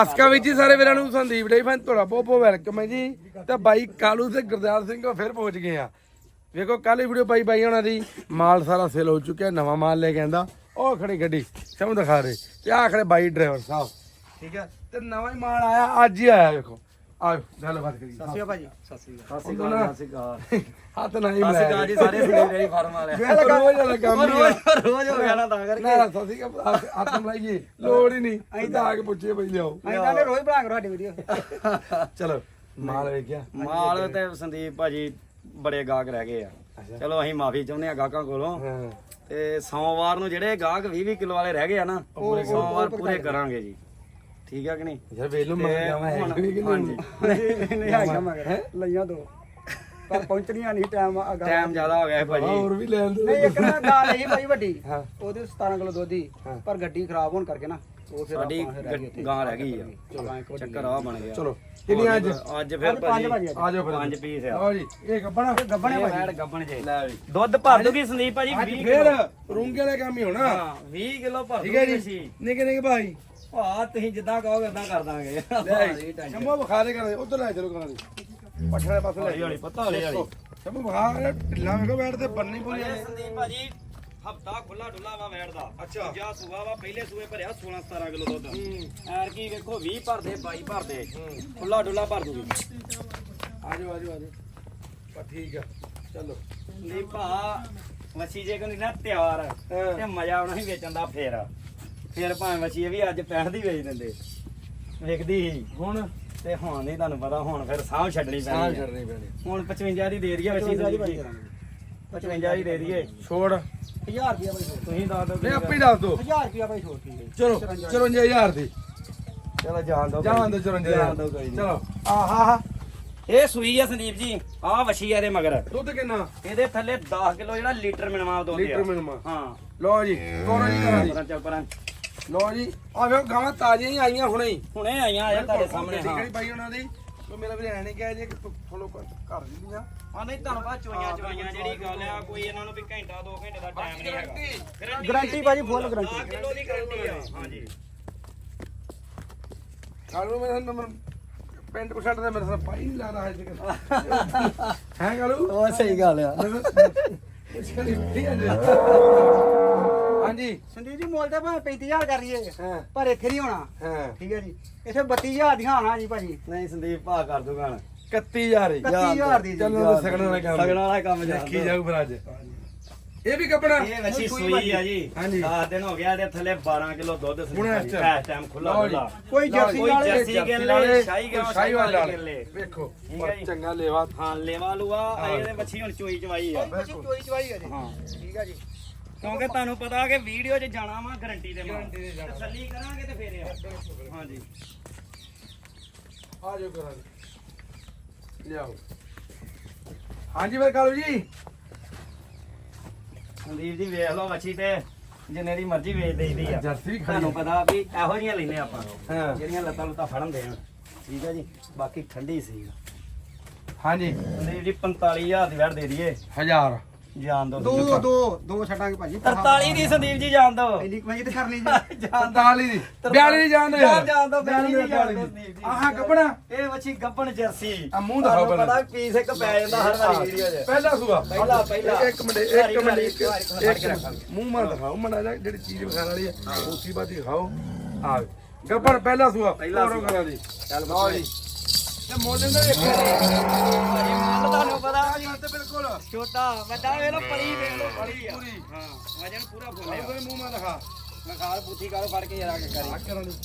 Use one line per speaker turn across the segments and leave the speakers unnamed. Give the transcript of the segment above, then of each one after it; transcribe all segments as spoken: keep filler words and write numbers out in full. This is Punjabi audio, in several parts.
ਅਸਕਾ ਵਿੱਚ ਜੀ ਸਾਰੇ ਵੀਰਾਂ ਨੂੰ ਸੰਦੀਪ ਡੇ ਫੈਨ ਤੁਹਾਡਾ ਬਹੁਤ ਬਹੁਤ ਵੈਲਕਮ ਹੈ ਜੀ। ਤੇ ਬਾਈ ਕਾਲੂ ਤੇ ਗੁਰਦਿਆਲ ਸਿੰਘ ਫਿਰ ਪਹੁੰਚ ਗਏ ਆ। ਵੇਖੋ ਕੱਲ ਵੀਡੀਓ ਪਾਈ ਬਾਈ ਉਹਨਾਂ ਦੀ ਮਾਲ ਸਾਰਾ ਸੇਲ ਹੋ ਚੁੱਕਿਆ, ਨਵਾਂ ਮਾਲ ਲੈ ਕੇ ਆਂਦਾ। ਉਹ ਖੜੀ ਗੱਡੀ ਸਮਝ ਦਿਖਾ ਰਹੇ ਤੇ ਆਹ ਖੜੇ ਬਾਈ ਡਰਾਈਵਰ ਸਾਹਿਬ, ਠੀਕ ਹੈ। ਤੇ ਨਵਾਂ ਹੀ ਮਾਲ ਆਇਆ, ਅੱਜ ਹੀ ਆਇਆ। ਵੇਖੋ ਆਓ ਗੱਲਬਾਤ ਕਰੀਏ।
ਸਤਿ ਸ਼੍ਰੀ ਅਕਾਲ ਭਾਜੀ। ਸਤਿ ਸ਼੍ਰੀ ਅਕਾਲ।
ਸਤਿ ਸ਼੍ਰੀ ਅਕਾਲ। ਸਤਿ ਸ਼੍ਰੀ ਅਕਾਲ। ਹੱਥ ਨਹੀਂ ਮਿਲਾਇਆ।
ਸਤਿ ਸ਼੍ਰੀ ਅਕਾਲ ਜੀ ਸਾਰੇ ਸੰਦੀਪ ਡੇਅਰੀ ਫਾਰਮ ਵਾਲੇ।
ਰੋਜ਼ ਵਾਲਾ ਕੰਮ ਹੀ ਆ।
ਰੋਜ਼ ਰੋਜ਼ ਹੋ ਗਿਆ ਨਾ ਤਾਂ ਕਰਕੇ।
ਨਾ ਸਤਿ ਸ਼੍ਰੀ ਅਕਾਲ ਹੱਥ ਮਿਲਾਈਏ, ਲੋੜ ਹੀ ਨਹੀਂ। ਅਸੀਂ ਤਾਂ ਆ ਕੇ ਪੁੱਛੀਏ ਬਈ ਲਿਆਓ।
ਅਸੀਂ ਕਹਿੰਦੇ ਰੋਜ਼ ਬਣਾ ਕਰੋ ਸਾਡੀ ਵੀਡੀਓ।
ਚਲੋ ਮਾਲ ਵੇਖਿਆ।
ਮਾਲ ਤੇ ਸੰਦੀਪ ਭਾਜੀ ਬੜੇ ਗਾਹਕ ਰਹਿ ਗਏ ਆ। ਚਲੋ ਅਸੀਂ ਮਾਫੀ ਚਾਹੁੰਦੇ ਆ ਗਾਹਕਾਂ ਕੋਲੋਂ। ਤੇ ਸੋਮਵਾਰ ਨੂੰ ਜਿਹੜੇ ਗਾਹਕ ਵੀਹ ਵੀਹ ਕਿਲੋ ਵਾਲੇ ਰਹਿ ਗਏ ਆ ਨਾ, ਉਹ ਸੋਮਵਾਰ ਪੂਰੇ ਕਰਾਂਗੇ ਜੀ, ਠੀਕ ਆ ਕਿ ਨਹੀਂ?
ਯਾਰ ਵੇਲੋ ਮੰਗ ਜਾਵਾਂ ਹੈ ਕਿ ਨਹੀਂ?
ਹਾਂਜੀ ਨਹੀਂ ਹੈਗਾ ਮਗਰ ਲਈਆਂ ਦੋ ਪਰ ਪਹੁੰਚਣੀਆਂ ਨਹੀਂ, ਟਾਈਮ ਟਾਈਮ ਜ਼ਿਆਦਾ ਹੋ ਗਿਆ ਹੈ ਭਾਜੀ।
ਹੋਰ ਵੀ ਲੈਣ ਦੋ।
ਨਹੀਂ ਇੱਕ ਨਾ ਗਾਲ ਹੈ ਭਾਈ ਵੱਡੀ, ਉਹਦੇ ਸਤਾਰਾਂ ਕਿਲੋ ਦੁੱਧ ਹੀ, ਪਰ ਗੱਡੀ ਖਰਾਬ ਹੋਣ ਕਰਕੇ ਨਾ ਉਹ ਫਿਰ ਸਾਡੀ ਗਾਂ ਰਹਿ ਗਈ ਆ। ਚੱਕਰ ਆ ਬਣ ਗਿਆ।
ਚਲੋ ਕਿੰਨੀ ਅੱਜ
ਅੱਜ ਫਿਰ ਭਾਜੀ
ਆ ਜਾਓ ਫਿਰ
ਪੰਜ ਪੀਸ ਆ।
ਲਓ ਜੀ ਇਹ ਗੱਬਣਾ
ਗੱਬਣੇ ਭਾਜੀ ਗੱਬਣ ਜੇ ਲੈ ਵੀ ਦੁੱਧ ਭਰ ਦੂਗੀ ਸੰਦੀਪ ਭਾਜੀ ਵੀਹ
ਫਿਰ
ਕਿਲੋ
ਰੂੰਗੇ ਵਾਲੇ ਕੰਮ ਹੀ ਹੋਣਾ।
ਹਾਂ ਵੀਹ ਕਿਲੋ ਭਰ
ਠੀਕ ਹੈ
ਦੂਗੀ
ਜੀ।
ਜੀ।
ਨਿੱਕੇ ਨਿੱਕੇ ਭਾਈ
ਭਾ ਤੁਸੀਂ ਜਿੱਦਾਂ ਕਹੋਗੇ ਉਦਾਂ ਕਰ ਦਾਂਗੇ।
ਸ਼ੰਭੂ ਬਖਾ ਦੇ ਕਰਾਂ ਉਧਰ ਲੈ ਚਲੋ ਕਰਾਂ ਦੀ ਪੱਠੇ ਵਾਲੇ ਪਾਸੇ ਲੈ
ਹੌਲੀ ਪਤਾ ਹੌਲੀ ਹੌਲੀ
ਸ਼ੰਭੂ ਬਖਾ ਢਿੱਲਾ ਵੇਖੋ ਬੈਠ ਤੇ ਬੰਨੀ ਪੂਰੀ ਆ।
ਸੰਦੀਪ ਭਾਜੀ ਹਫਤਾ ਖੁੱਲਾ ਡੁੱਲਾ ਵਾ ਵੈੜ ਦਾ।
ਅੱਛਾ
ਜਾ ਸੂਆ ਵਾ, ਪਹਿਲੇ ਸੂਏ ਭਰਿਆ ਸੋਲਾਂ ਸਤਾਰਾਂ ਕਿਲੋ ਦੁੱਧ। ਐਰ ਕੀ ਵੇਖੋ ਵੀਹ ਭਰਦੇ ਬਾਈ ਭਰਦੇ ਖੁੱਲਾ ਡੁੱਲਾ ਭਰ ਦੂਗੀ।
ਆਜੋ ਆਜੋ ਆਜੋ ਬਸ ਠੀਕ ਆ। ਚਲੋ
ਸੰਦੀਪ ਭਾ ਮੱਛੀ ਜੇ ਕੋਈ ਨਾ ਤਿਆਰ ਤੇ ਮਜ਼ਾ ਆਉਣਾ ਸੀ ਵੇਚਣ ਦਾ। ਫੇਰ ਫੇਰ ਭਾਵੇਂ ਮੱਛੀ ਵੀ ਅੱਜ ਪੈਂਹਠ ਦੀ ਵੇਚ ਦਿੰਦੇ, ਵੇਖਦੀ ਸੀ ਹੁਣ ਤੇ ਹੁਣ ਨਹੀਂ ਤੁਹਾਨੂੰ ਪਤਾ। ਹੁਣ ਫਿਰ ਸਾਹ ਛੱਡਣੀ
ਸਾਹ
ਪੈਣੀ
ਛੱਡਣੀ ਪੈਣੀ।
ਹੁਣ ਪਚਵੰਜਾ ਦੀ ਦੇ ਦਈਏ ਮੱਛੀ ਸੰਦੀਪ ਜੀ, ਪਚਵੰਜਾ ਦੀ ਦੇ ਦਈਏ।
ਛੋੜ
ਹਜ਼ਾਰ ਰੁਪਿਆ ਬਾਈ ਛੋੜ ਤੁਸੀਂ ਦੱਸ ਦਿਓ।
ਨਹੀਂ ਆਪੇ ਦੱਸ ਦੋ।
ਹਜ਼ਾਰ ਰੁਪਿਆ ਬਾਈ ਛੋੜ ਠੀਕ ਹੈ।
ਚਲੋ ਚੁਰੰਜਾ ਹਜ਼ਾਰ ਦੀ
ਚਲੋ ਜਾਣ ਦੋ
ਜਾਣ ਦੋ ਚੁਰੰਜਾ
ਜਾਣ ਦੋ ਕੋਈ ਨਹੀਂ।
ਚਲੋ ਆਹਾ ਹਾ
ਇਹ ਸੂਈ ਆ ਸੰਦੀਪ ਜੀ, ਆਹ ਵਛੀ ਆ ਇਹਦੇ ਮਗਰ।
ਦੁੱਧ ਕਿੰਨਾ?
ਇਹਦੇ ਥੱਲੇ ਦਸ ਕਿਲੋ ਜਿਹੜਾ ਲੀਟਰ ਮਿਲਵਾ ਦੁੱਧ ਆ।
ਲੀਟਰ ਮਿਲਵਾ।
ਹਾਂ
ਲਓ ਜੀ ਕੋਰਾ ਜੀ ਕਰਾਂ ਦੀ।
ਪਰਾਂ ਚੱਲ ਪਰਾਂ।
ਲਓ ਜੀ ਆ ਵੇਖੋ ਗਾਵਾਂ ਤਾਜ਼ੀਆਂ ਹੀ ਆਈਆਂ ਹੁਣੇ ਹੀ।
ਹੁਣੇ ਆਈਆਂ ਆ ਤੁਹਾਡੇ ਸਾਹਮਣੇ।
ਠੀਕ
ਹਾਂ
ਹੈ ਬਾਈ ਉਹਨਾਂ ਦੀ ਕੋਈ ਮੇਰਾ ਵੀ ਐ ਨਹੀਂ ਕਿਹਾ ਜੇ ਕਿ ਫੋਲੋ ਕਰ ਦਿੰਦੀਆਂ।
ਆ ਨਹੀਂ ਤੁਹਾਨੂੰ ਬਾਅਦ ਚੋਈਆਂ ਚਵਾਈਆਂ ਜਿਹੜੀ ਗੱਲ ਆ, ਕੋਈ ਇਹਨਾਂ ਨੂੰ ਵੀ ਘੰਟਾ ਦੋ ਘੰਟੇ ਦਾ ਟਾਈਮ ਨਹੀਂ ਹੈਗਾ।
ਗਾਰੰਟੀ ਭਾਜੀ ਫੁੱਲ
ਦਸ
ਗਾਰੰਟੀ।
ਕਿਲੋ ਦੀ ਗਾਰੰਟੀ ਆ। ਹਾਂਜੀ
ਕਾਲੂ ਮੇਰਾ ਨੰਬਰ ਪੈਂਟ ਪਸ਼ਟ ਦਾ ਮੇਰੇ ਸਾਹ ਪਾਈ ਨਹੀਂ ਲੱਗਦਾ ਹੈ ਜੀ ਹੈ ਕਾਲੂ।
ਉਹ ਸਹੀ ਗੱਲ ਆ।
ਹਾਂਜੀ
ਸੰਦੀਪ ਜੀ ਮੁੱਲ ਤਾਂ ਭਾਵੇਂ ਪੈਂਤੀ ਹਜ਼ਾਰ ਕਰ ਲਈਏ
ਹਾਂ
ਪਰ ਇੱਥੇ ਨਹੀਂ ਹੋਣਾ।
ਹਾਂ
ਠੀਕ ਹੈ ਜੀ, ਇੱਥੇ ਬੱਤੀ ਹਜ਼ਾਰ ਦੀਆਂ ਆਣਾ ਜੀ ਭਾਜੀ।
ਨਹੀਂ ਸੰਦੀਪ ਭਾ ਕਰ ਦੂਗਾ ਨਾ
ਇਕੱਤੀ ਹਜ਼ਾਰ ਹੀ
ਇਕੱਤੀ ਹਜ਼ਾਰ ਦੀ ਜੀ।
ਚਲੋ ਸਗਣ ਵਾਲਾ ਕੰਮ
ਸਗਣ ਵਾਲਾ ਕੰਮ
ਦੇਖੀ ਜਾਊ ਫਿਰ ਅੱਜ। ਇਹ ਵੀ ਕੱਪੜਾ
ਇਹ ਵੈਸੀ ਸੂਈ ਆ ਜੀ।
ਹਾਂਜੀ।
ਦਸ ਦਿਨ ਹੋ ਗਿਆ, ਇਹਦੇ ਥੱਲੇ ਬਾਰਾਂ ਕਿਲੋ ਦੁੱਧ
ਹੁਣ ਇਸ
ਇਸ
time।
ਟਾਈਮ ਖੁੱਲਾ
ਲਓ ਜੀ।
ਖੁੱਲਾ।
ਕੋਈ ਜਰਸੀ
ਕੋਈ
ਵਾਲੇ
ਜਰਸੀ ਗਿੱਲੇ, ਸ਼ਾਹੀ ਗਾਂ,
ਸ਼ਾਹੀ ਵਾਲੇ
ਸ਼ਾਹੀ ਗਿੱਲੇ।
ਵੇਖੋ
ਠੀਕ ਹੈ ਜੀ।
ਚੰਗਾ ਲੇਵਾ।
ਹਾਂ ਲੇਵਾ ਲੂਆ ਇਹਦੇ ਮੱਛੀ ਹੁਣ ਚੋਈ ਚਵਾਈ ਆ।
ਚੋਈ ਚਵਾਈ ਹੈ ਜੀ।
ਹਾਂ
ਠੀਕ ਹੈ ਜੀ।
ਕਿਉਂਕਿ ਤੁਹਾਨੂੰ ਪਤਾ ਕਿ ਵੀਡੀਓ 'ਚ ਜਾਣਾ ਵਾ ਗਾਰੰਟੀ ਦੇ ਮਾਲ।
Guarantee ਦੇ ਜਾਣਾ।
ਤਸੱਲੀ ਕਰਾਂਗੇ ਤੇ ਫੇਰ ਆ। ਹਾਂਜੀ
ਆ ਜਾਓ ਕਰਾਂ ਲਿਆਓ। ਹਾਂਜੀ ਫਿਰ ਕਾਲੂ ਜੀ
ਸੰਦੀਪ ਜੀ ਵੇਖ ਲਓ ਮੱਛੀ ਤੇ ਜਿੰਨੇ ਦੀ ਮਰਜ਼ੀ ਵੇਚ ਦੇਈਦੀ ਆ।
ਜਰਸੀ ਖੜੀ
ਤੁਹਾਨੂੰ ਪਤਾ ਵੀ ਇਹੋ ਜਿਹੀਆਂ ਲੈਨੇ ਆਪਾਂ
ਹਾਂ
ਜਿਹੜੀਆਂ ਲੱਤਾਂ ਲੁੱਤਾਂ ਫੜਨ ਦੇਣ। ਠੀਕ ਹੈ ਜੀ, ਬਾਕੀ ਠੰਡੀ ਸੀ।
ਹਾਂਜੀ
ਸੰਦੀਪ ਜੀ ਪੰਤਾਲੀ ਹਜ਼ਾਰ ਦੀ ਵੈਟ ਦੇ ਦਈਏ।
ਹਜ਼ਾਰ
ਜਾਣ ਦੋ
ਦੋ ਦੋ ਦੋ ਛੱਡਾਂਗੇ ਭਾਜੀ।
ਤਰਤਾਲੀ ਦੀ ਸੰਦੀਪ ਜੀ ਜਾਣ ਦੋ।
ਇੰਨੀ ਕਮਾਈ ਤੇ ਕਰਨੀ ਜੀ।
ਪੰਤਾਲੀ ਦੀ ਬਿਆਲੀ ਦੀ ਜਾਣ ਦੇ
ਜਾਣ ਜਾਣ ਦੋ ਬਿਆਲੀ ਦੀ ਜਾਣ ਦੋ ਸੰਦੀਪ ਜੀ।
ਆਹ ਕੱਪੜਾ
ਇਹ ਵੱਛੀ ਗੱਬਣ ਜਰਸੀ।
ਆ ਮੂੰਹ ਦਿਖਾਓ
ਤੁਹਾਨੂੰ
ਪਹਿਲਾਂ।
ਪਤਾ ਪੀਸ ਇੱਕ ਪੈ ਜਾਂਦਾ ਹਰ ਵਾਰੀ ਵੀਡੀਓ 'ਚ।
ਪਹਿਲਾ ਸੂਆ
ਪਹਿਲਾ ਪਹਿਲਾ
ਇੱਕ ਮਿੰਟ ਇੱਕ ਮਿੰਟ ਇੱਕ ਇੱਕ ਮੂੰਹ ਮਾ ਦਿਖਾਓ ਮੜਾ ਜਾ ਜਿਹੜੀ ਚੀਜ਼ ਵਿਖਾਣ ਵਾਲੀ ਹੈ ਉਸੀ ਬਾਤ ਦਿਖਾਓ। ਆ ਗੱਬੜ ਪਹਿਲਾ ਸੂਆ
ਪਹਿਲਾ ਸੂਆ।
ਕਰਾਂ ਦੀ
ਚੱਲ
ਲਓ ਜੀ ਤੇ ਮੋਲੇ ਦਾ ਵੇਖੋ
ਭਾਜੀ ਮੁੱਲ ਤੁਹਾਨੂੰ ਪਤਾ
ਜੀ ਤੇ ਬਿਲਕੁਲ
ਛੋਟਾ ਵੱਡਾ ਵੇਖ ਲੋ ਪਲੀ ਵੇਖ ਲੋ ਪਲੀ ਆ।
ਪੂਰੀ।
ਹਾਂ ਵਜਨ ਪੂਰਾ
ਆਹ
ਫੁੱਲਿਆ।
ਕੋਈ ਮੂੰਹ ਮਾ ਦਿਖਾ
ਮੈਂ ਖਾਲ ਬੁੱਥੀ ਕਾਲੋ ਫੜ ਕੇ ਜਰਾ ਕੇ
ਆ
ਕਰੀ।
ਕਰਾਂ ਦੀ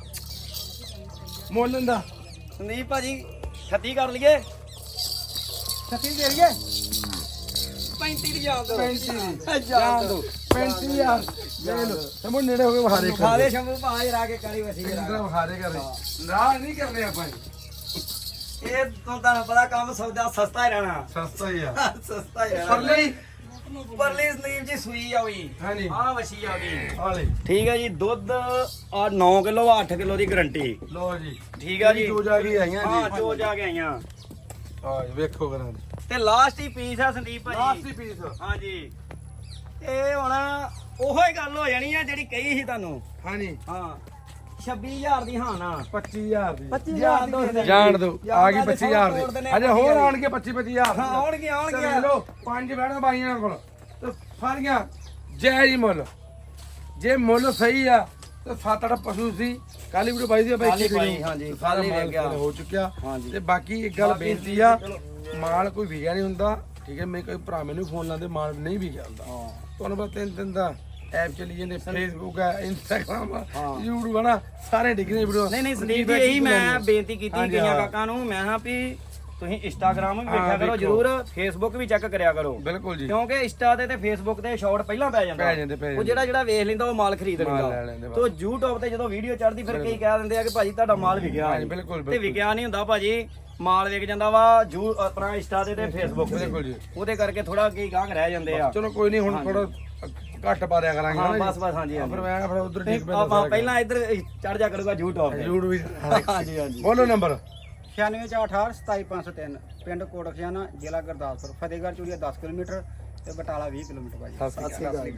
ਮੋਲਨ ਦਾ
ਸੰਦੀਪ ਭਾਜੀ ਛੱਤੀ ਕਰ ਲਈਏ।
ਛੱਤੀ ਦੇ ਲਈਏ।
ਪੈਂਤੀ ਦੀ ਜਾਣ ਦੋ।
ਪੈਂਤੀ ਦੀ ਜਾਣ ਦੋ ਪੈਂਤੀ ਹਜ਼ਾਰ ਲੈ ਲੋ ਸਮੋ ਨੇੜੇ ਹੋ ਗਏ ਬਹਾਰੇ ਕਰ
ਖਾਲੇ ਸ਼ੰਭੂ ਭਾ ਜਰਾ ਕੇ ਕਰੀ ਵਸੀ
ਇੰਦਰਾ
ਜਰਾ।
ਬਹਾਰੇ ਕਰ ਰਾਹ ਨਹੀਂ ਕਰਨੇ ਆਪਾਂ
ਇਹ ਤੋਂ ਤੁਹਾਨੂੰ ਪਤਾ ਕੰਮ ਸੌਦਾ ਸਸਤਾ ਹੀ ਰਹਿਣਾ।
ਸਸਤਾ ਹੀ ਆ
ਸਸਤਾ ਹੀ ਰਹਿਣਾ।
ਪਰਲੀ
ਪਰਲੀ ਸੰਦੀਪ ਜੀ ਸੂਈ ਆ ਹੋਈ।
ਹਾਂਜੀ
ਆਹ ਵਸੀ ਆ ਗਈ।
ਆਲੇ
ਠੀਕ ਹੈ ਜੀ, ਦੁੱਧ ਆ ਨੌ ਕਿਲੋ ਅੱਠ ਕਿਲੋ ਦੀ ਗਾਰੰਟੀ।
ਲੋ ਜੀ
ਠੀਕ ਆ ਜੀ।
ਦੋ ਜਾ ਕੇ ਆਈਆਂ
ਹਾਂ
ਜੀ
ਜੋ ਜਾ ਕੇ ਆਈਆਂ
ਆ ਵੇਖੋ ਕਰਾਂ ਦੇ
ਤੇ ਲਾਸਟ ਹੀ ਪੀਸ ਆ ਸੰਦੀਪ ਭਾਜੀ।
ਲਾਸਟ ਹੀ ਪੀਸ
ਹਾਂਜੀ ਇਹ ਹੁਣ ਉਹੋ ਹੀ ਗੱਲ ਹੋ ਜਾਣੀ ਆ ਜਿਹੜੀ ਕਹੀ ਸੀ ਤੁਹਾਨੂੰ।
ਹਾਂਜੀ
ਹਾਂ ਛੱਬੀ ਹਜ਼ਾਰ ਦੀ ਹਾਂ ਨਾ
ਪੱਚੀ ਹਜ਼ਾਰ ਦੀ
ਪੱਚੀ
ਜਾਣ
ਹਜ਼ਾਰ
ਦੋ
ਦੀ
ਜਾਣ ਦੋ ਆ ਗਈ
ਜਾਣ
ਪੱਚੀ
ਦੇ
ਹਜ਼ਾਰ
ਤੋੜ ਦਿੰਦੇ
ਦੀ
ਆ
ਅਜੇ ਹੋਰ ਆਉਣਗੇ ਪੱਚੀ ਪੱਚੀ ਹਜ਼ਾਰ
ਹਾਂ ਆਉਣਗੇ ਆਉਣਗੇ
ਲੈ ਲਓ ਪੰਜ ਬੈਠਾ ਬਾਈਆਂ ਕੋਲ ਤੇ ਸਾਰੀਆਂ ਜੈ ਜੀ ਮੁੱਲ ਜੇ ਮੁੱਲ ਸਹੀ ਆ ਤੇ ਸੱਤ ਅੱਠ ਪਸ਼ੂ ਸੀ ਕਾਲੀ ਵੀਡੀਓ ਬਾਈ ਦੀ ਬਾਈ
ਕੱਲ੍ਹ ਹੀ
ਕੀ
ਪਾਈ, ਹਾਂਜੀ,
ਤੇ ਸਾਰਾ
ਕੱਲ੍ਹ ਹੀ
ਮਾਲ
ਲੈ ਗਿਆ।
ਹੋ ਚੁੱਕਿਆ
ਹਾਂਜੀ।
ਤੇ ਬਾਕੀ ਇੱਕ ਗੱਲ ਬੇਨਤੀ ਆ ਮਾਲ ਕੋਈ ਵਿਗਿਆ ਨਹੀਂ ਹੁੰਦਾ ਠੀਕ ਹੈ ਮੈਂ ਕੋਈ ਭਰਾ ਮੈਨੂੰ ਫੋਨ ਲਾਉਂਦੇ ਮਾਲ ਨਹੀਂ ਵਿਗਿਆ ਹੁੰਦਾ
ਹਾਂ
ਤੁਹਾਨੂੰ ਪਤਾ ਤਿੰਨ ਤਿੰਨ ਦਾ ਐਪ ਚੱਲੀ ਜਾਂਦੇ ਫੇਸਬੁੱਕ ਆ ਇੰਸਟਾਗ੍ਰਾਮ ਆ
ਹਾਂ।
YouTube ਆ ਨਾ ਸਾਰੇ ਡਿੱਗਦੇ ਵੀਡੀਓ
ਨਹੀਂ ਨਹੀਂ ਸੰਦੀਪ ਜੀ ਇਹੀ ਮੈਂ ਬੇਨਤੀ ਕੀਤੀ
ਹਾਂਜੀ,
ਕਈਆਂ
ਹਾਂ।
ਕਾਕਾਂ ਨੂੰ ਮੈਂ ਹਾਂ ਵੀ ਤੁਸੀਂ ਇੰਸਟਾਗ੍ਰਾਮ ਵੀ
ਹਾਂ,
ਵੇਖਿਆ ਕਰੋ
ਵੇਖੋ।
ਜਰੂਰ ਫੇਸਬੁੱਕ ਵੀ ਚੈੱਕ ਕਰਿਆ ਕਰੋ
ਬਿਲਕੁਲ ਜੀ
ਕਿਉਂਕਿ ਇੰਸਟਾ ਤੇ ਤੇ ਫੇਸਬੁੱਕ ਤੇ ਸ਼ਾਰਟ ਪਹਿਲਾਂ ਪੈ ਜਾਂਦਾ
ਪੈ ਜਾਂਦੇ, ਪੈ
ਉਹ
ਜਾਂਦੇ।
ਜਿਹੜਾ ਜਿਹੜਾ ਵੇਖ ਲੈਂਦਾ ਉਹ ਮਾਲ ਖਰੀਦ
ਮਾਲ
ਲੈਂਦਾ
ਲੈ ਲੈਂਦੇ ਬਸ।
ਤੇ YouTube ਤੇ ਜਦੋਂ ਵੀਡੀਓ ਚੜਦੀ ਫਿਰ ਕਈ ਕਹਿ ਦਿੰਦੇ ਆ ਕਿ ਭਾਜੀ ਤੁਹਾਡਾ ਮਾਲ ਵਿਕਿਆ
ਹਾਂਜੀ, ਬਿਲਕੁਲ,
ਤੇ
ਬਿਲਕੁਲ।
ਵਿਕਿਆ ਨਹੀਂ ਹੁੰਦਾ ਭਾਜੀ ਮਾਲ ਵਿਕ ਜਾਂਦਾ ਵਾ ਜੂ ਆਪਣਾ ਇੰਸਟਾ ਤੇ ਤੇ ਫੇਸਬੁੱਕ ਤੇ
ਬਿਲਕੁਲ ਜੀ।
ਉਹਦੇ ਕਰਕੇ ਥੋੜਾ ਕਈ ਗਾਹਕ ਰਹਿ ਜਾਂਦੇ ਆ
ਚਲੋ ਕੋਈ ਨਹੀਂ ਹੁਣ ਥੋੜਾ ਘੱਟ ਪਾ ਦਿਆ ਕਰਾਂਗੇ
ਹਾਂ
ਨਾ ਜੀ।
ਬਸ ਬਸ ਹਾਂਜੀ
ਹਾਂ, ਫਿਰ
ਹਾਂਜੀ
ਮੈਂ ਫਿਰ ਉਧਰ ਠੀਕ ਪੈਂਦਾ
ਆਪਾਂ ਪਹਿਲਾਂ ਇੱਧਰ ਚੜ ਜਾ ਕਰੂਗਾ YouTube ਤੇ
YouTube ਵੀ
ਹਾਂਜੀ ਹਾਂਜੀ
ਬੋਲੋ ਨੰਬਰ
ਛਿਆਨਵੇਂ ਚਾਰ ਅਠਾਹਠ ਸਤਾਈ ਪੰਜ ਸੌ ਤਿੰਨ ਪਿੰਡ ਕੋਟਖਿਆਣਾ ਜ਼ਿਲ੍ਹਾ ਗੁਰਦਾਸਪੁਰ ਫਤਿਹਗੜ੍ਹ ਚੂੜੀਆ ਦਸ ਕਿਲੋਮੀਟਰ ਤੇ ਬਟਾਲਾ ਵੀਹ ਕਿਲੋਮੀਟਰ ਭਾਜੀ
ਸਤਿ ਸ਼੍ਰੀ ਅਕਾਲ।